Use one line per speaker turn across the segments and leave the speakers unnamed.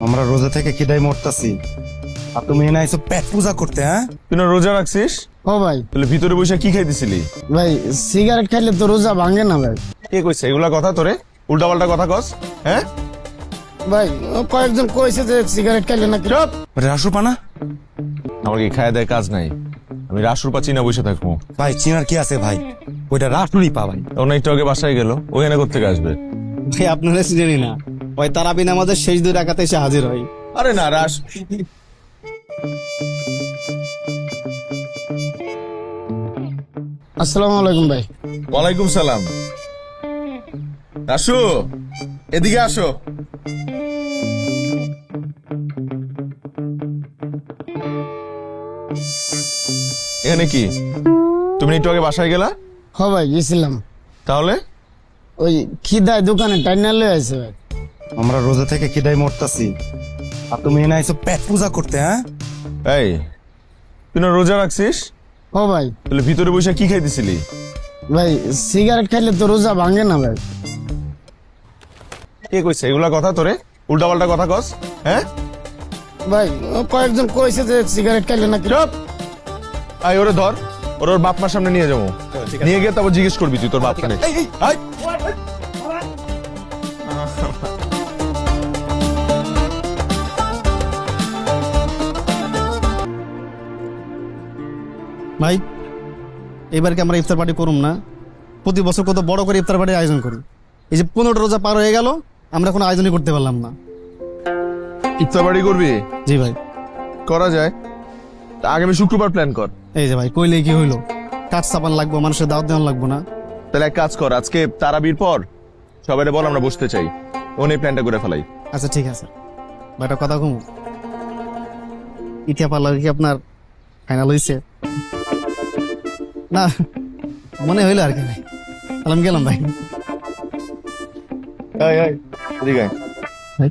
আমরা রোজা থেকে খিদায় মরতাছি আর তুমি এনে আইছো পেট পূজা করতে। হ্যাঁ,
তুই না রোজা রাখছিস?
ও ভাই,
তাহলে ভিতরে বসে কি খাইতেছিলি?
ভাই সিগারেট খাইলে তো রোজা ভাঙে না ভাই।
কে কইছে এগুলা কথা তোরে? উল্টা পাল্টা কথা কস। হ্যাঁ,
ভাই কয়েকজন কইছে যে সিগারেট খাইলে নাকি।
চুপ।
রাসু পানা
আমার কি খায় দেয় কাজ নাই? আমি রাসুর পা চিনা বসে থাকবো।
ভাই, চিনার কি আছে ভাই? ওইটা রাসুরই পা ভাই।
অনেক একটু আগে বাসায় গেল, ওখানে কোথেকে আসবে?
ভাই আপনারা চিনেনি না, ওই তারাবিন আমাদের শেষ 2 রাকাতে এসে হাজির হয়।
আরে না রাস,
আসসালামু আলাইকুম ভাই।
ওয়ালাইকুম সালাম। রাসু, এদিকে আসো। এখানে কি? তুমি একটু আগে বাসায় গেলা?
হ ভাই গেছিলাম,
তাহলে
ওই খিদায় দোকানে টাইনা লয়ে আছে ভাই।
আমরা রোজা থেকে খিদায় মরতাছি আর তুমি এনে আইছো পেট পূজা করতে। হ্যাঁ,
এই তুই না রোজা রাখছিস?
ও ভাই,
তাহলে ভিতরে বসে কি খাইতেছিলি?
ভাই সিগারেট খাইলে তো রোজা ভাঙে না ভাই।
কে কইছে এগুলা কথা তোরে? উল্টা পাল্টা কথা কস। হ্যাঁ,
ভাই কয়েকজন কইছে যে সিগারেট খাইলে নাকি।
চুপ। আই ওরে ধর, ওর বাপ মার সামনে নিয়ে যাবো। নিয়ে গিয়ে তারপর জিজ্ঞেস করবি তুই তোর বাপ খানে।
ভাই এবার কি আমরা ইফতার পার্টি করুম না? প্রতি বছর কত বড় করে ইফতার পার্টির আয়োজন করি, এই যে 15টা রোজা পার হয়ে গেল, আমরা কোনো আয়োজনই করতে পারলাম না।
ইফতার বাড়ি করবি?
জি ভাই।
করা যায়, তা আগামী শুক্রবার প্ল্যান কর।
এই যে ভাই কইলে কি হইলো, কাঠ চাপান লাগবো, মানুষের দাওয়াত দেওয়ান লাগবো না?
তাহলে এক কাজ কর, আজকে তারাবির পর সবাই বল আমরা বসতে চাই, ওনে প্ল্যানটা করে ফেলাই।
আচ্ছা ঠিক আছে ভাই, একটা কথা কম, ইতিয়া পার্লার কি আপনার ফাইনাল হয়েছে? না মনে হইলো আর কি ভাই, তাহলে আমি গেলাম ভাই।
এদিকে আয়।
ভাই।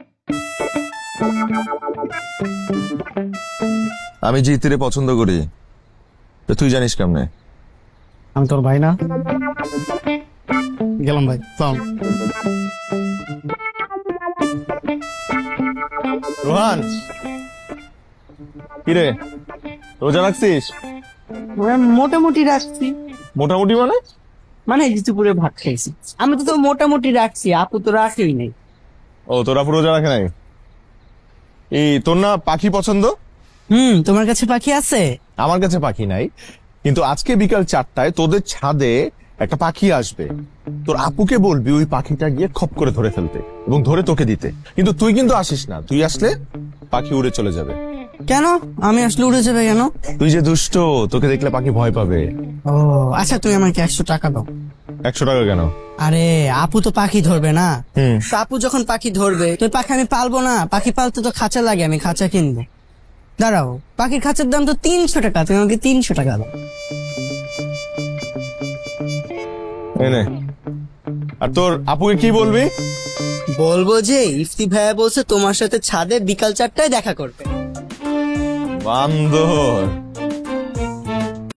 আমি যে ইতিরে পছন্দ করি, তো তুই জানিস কেমনে?
আমি তোর ভাই না? গেলাম ভাই, সালাম।
রোহান, কিরে রোজা রাখছিস?
মোটামুটি রাখছি।
মোটামুটি মানে?
মানে দুপুরে ভাত খাইছি। আমি তো মোটামুটি রাখছি, আপু তো রাখেই নাই।
ও তোরা পুরো রোজা রাখে নাই? এই তোর না পাখি পছন্দ?
তোমার কাছে পাখি আছে?
আমার কাছে পাখি নাই, কিন্তু আজকে বিকাল 4টায় তোদের ছাদে একটা পাখি আসবে। তোর আপুকে বলবি ওই পাখিটা গিয়ে খপ করে ধরে ফেলতে এবং ধরে তোকে দিতে, কিন্তু তুই কিন্তু আসিস না। তুই আসলে পাখি উড়ে চলে যাবে।
কেন আমি আসলে উড়ে যাবে কেন?
তুই যে দুষ্ট, তোকে দেখলে পাখি ভয় পাবে।
ও আচ্ছা, তুমি আমাকে 100 টাকা দাও।
100 টাকা কেন?
আরে আপু তো পাখি ধরবে না,
হুম।
তো আপু যখন পাখি ধরবে তো পাখি আমি পালবো না। পাখি পালতে তো খাঁচা লাগে, আমি খাঁচা কিনবো। দাঁড়াও, পাখির খাঁচার দাম তো 300 টাকা, তুমি আমাকে 300 টাকা দাও।
এই নে। আর তোর আপুকে কি বলবি?
বলবো যে ইফতি ভাইয়া বলছে তোমার সাথে ছাদে বিকাল 4টায় দেখা করবে।
বান্দর।